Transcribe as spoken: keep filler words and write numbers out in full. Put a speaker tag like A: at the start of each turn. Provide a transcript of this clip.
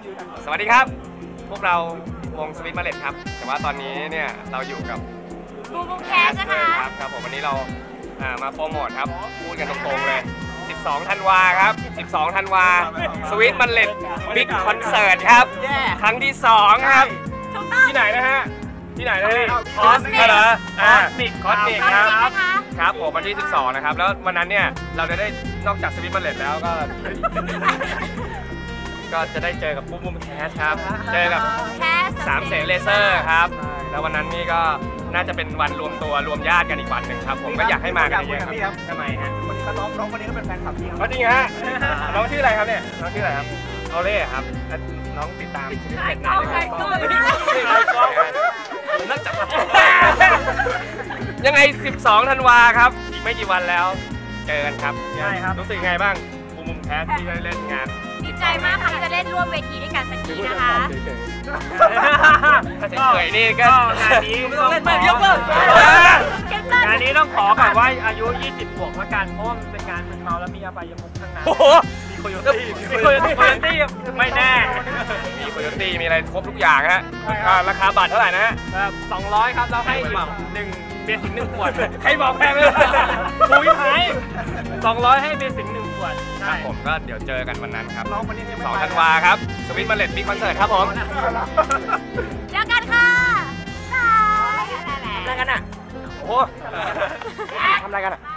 A: สวัสดีครับพวกเราวงสวิตมาเลตครับแต่ว่าตอนนี้เนี่ยเราอยู่กับ
B: บูมบูมแคสนะคะ
A: ครับครับผมวันนี้เรามาโปรโมทครับพูดกันตรงๆเลยสิบสองธันวาครับสิบสองธันวาสวิตมาเลตบิ๊กคอนเสิร์ตครับครั้งที่สองครับที่ไหนนะฮะที่ไหนนะฮะคอสมิกเหรออ่าคอสมิกครับครับผมวันที่สิบสองนะครับแล้ววันนั้นเนี่ยเราจะได้นอกจากสวิตมาเลตแล้วก็ก็จะได้เจอกับบูมบูมแคสครับเจอกับสามเสนเลเซอร์ครับแล้ววันนั้นนี่ก็น่าจะเป็นวันรวมตัวรวมญาติกันอีกวันหนึ่งครับผมก็อยากให้มากันเยอะครับทำไมฮะ
C: วันนี้ก็น้องน้องวันนี้ก็เป็นแฟนคลับพี่ครับ
A: จริงฮะน้องชื่ออะไรครับเนี่ยน้องชื่ออะไรครับโอเล่ครับน้องติดตามชีวิตเด็กไหนนักจับยังไงสิบสองธันวาครับอีกไม่กี่วันแล้วเจอกันครับ
C: ใช่ครับ
A: รู้สึกไงบ้างบูมบูมแคสที่ได้เล่นงาน
B: ดีใจมากค่ะที่จะเล่นร่วมเวทีด้วยกันสักทีนะคะ
A: ถ้าเฉยๆนี่ก็
C: งานนี้ต้องเล่นแบบยกเลิกงานนี้ต้องขอก่อนว่าอายุยี่สิบบวกละกันเพราะว่ามันเป็นการมึนเมาแล้วมีอบายมุขข้างในมีโคโยตี้มีโคโยตี้ไม่แน่
A: มีโคโยตี้มีอะไรครบทุกอย่างฮะราคาบัตรเท่าไหร่นะฮะ
C: สองร้อยครับเราให้หนึ่งเบสิกหนึ่งขวด
A: ใครบอกแพงเลย
C: คุยไหมสองร้อยให้เบสิกหนึ่งขวด
A: ครับผมก็เดี๋ยวเจอกันวันนั้นครับสองธันวาครับสวิตมาเลตบิ๊กคอนเสิร์ตครับผม
B: เจอกันค่ะ
A: ทำอะไรกันอ่ะโอ้ทำอะไรกันอ่ะ